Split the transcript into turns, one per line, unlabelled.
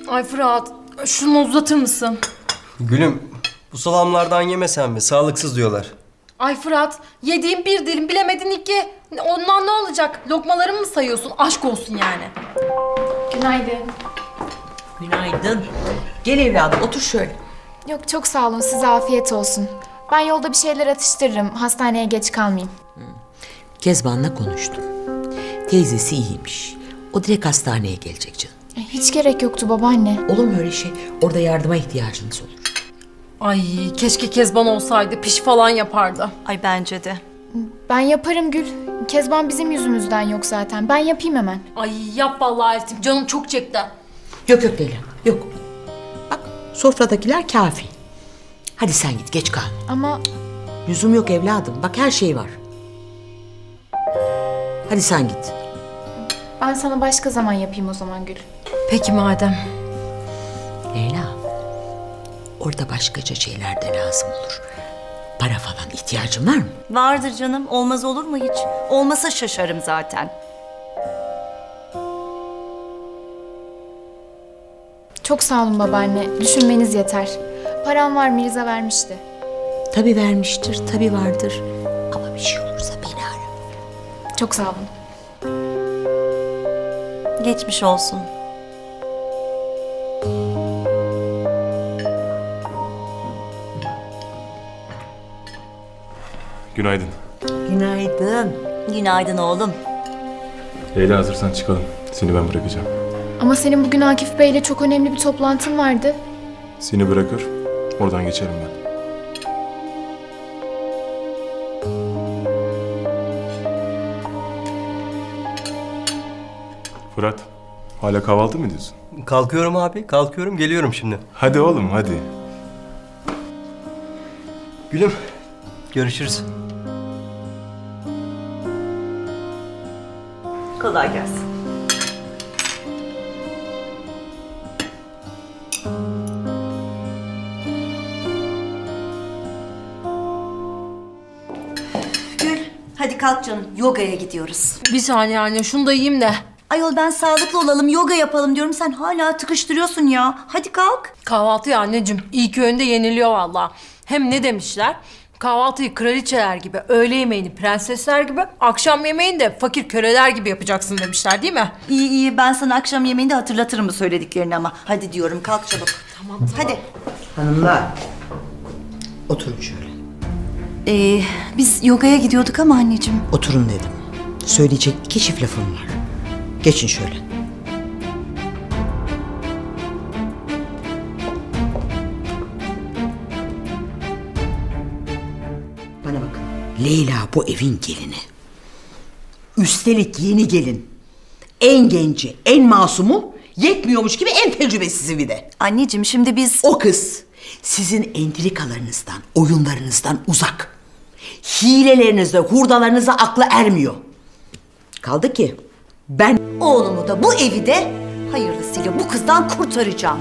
Ay Fırat, şunu uzatır mısın?
Gülüm, bu salamlardan yemesen mi? Sağlıksız diyorlar.
Ay Fırat, yediğin bir dilim bilemedin iki. Ondan ne olacak? Lokmalarımı mı sayıyorsun? Aşk olsun yani.
Günaydın.
Günaydın. Gel evladım otur şöyle.
Yok çok sağ olun, size afiyet olsun. Ben yolda bir şeyler atıştırırım, hastaneye geç kalmayayım.
Kezban'la konuştum. Teyzesi iyiymiş. O direkt hastaneye gelecek canım.
Hiç gerek yoktu babaanne.
Olur mu öyle şey? Orada yardıma ihtiyacınız olur.
Ay keşke Kezban olsaydı, piş falan yapardı.
Ay bence de.
Ben yaparım Gül. Kezban bizim yüzümüzden yok zaten. Ben yapayım hemen.
Ay yap vallahi Eltim, canım çok çekti.
Yok yok Leyla yok. Bak sofradakiler kafi. Hadi sen git geç kalma.
Ama
Lüzum yok evladım. Bak her şey var. Hadi sen git.
ben sana başka zaman yapayım o zaman Gül.
Peki madem.
Leyla. Orada başkaca şeyler de lazım olur. Para falan ihtiyacın var mı?
Vardır canım. Olmaz olur mu hiç? Olmasa şaşarım zaten.
Çok sağ olun babaanne. Düşünmeniz yeter. Param var, Mirza vermişti.
Tabii vermiştir, tabii vardır. Ama bir şey olursa beni ara.
Çok sağ olun.
Geçmiş olsun.
Günaydın.
Günaydın.
Günaydın oğlum.
Leyla hazırsan çıkalım. Seni ben bırakacağım.
Ama senin bugün Akif Bey'le çok önemli bir toplantın vardı.
Seni bırakır, oradan geçerim ben. Fırat, hala kahvaltı mı ediyorsun?
Kalkıyorum abi, kalkıyorum. Geliyorum şimdi.
Hadi oğlum, hadi.
Gülüm, görüşürüz.
Kolay gelsin. Gül, hadi kalk canım. Yogaya gidiyoruz.
Bir saniye anne, şunu da yiyeyim de.
Ayol ben sağlıklı olalım, yoga yapalım diyorum. Sen hala tıkıştırıyorsun ya. Hadi kalk.
Kahvaltı ya anneciğim, ilk öğünde yeniliyor vallahi. Hem ne demişler? Kahvaltıyı kraliçeler gibi, öğle yemeğini prensesler gibi, akşam yemeğini de fakir köleler gibi yapacaksın demişler değil mi?
İyi iyi, ben sana akşam yemeğinde hatırlatırım bu söylediklerini ama. Hadi diyorum, kalk çabuk. Tamam. Hadi.
Hanımlar, oturun şöyle.
Biz yogaya gidiyorduk ama anneciğim.
Oturun dedim. Söyleyecek iki çift lafım var. Geçin şöyle. Bana bakın. Leyla bu evin gelini. Üstelik yeni gelin. En genci, en masumu, yetmiyormuş gibi en tecrübesizi bir de.
Anneciğim şimdi biz...
O kız sizin entrikalarınızdan, oyunlarınızdan uzak. Hilelerinizle, hurdalarınıza aklı ermiyor. Kaldı ki ben
Oğlumu da bu evi de hayırlısıyla bu kızdan kurtaracağım.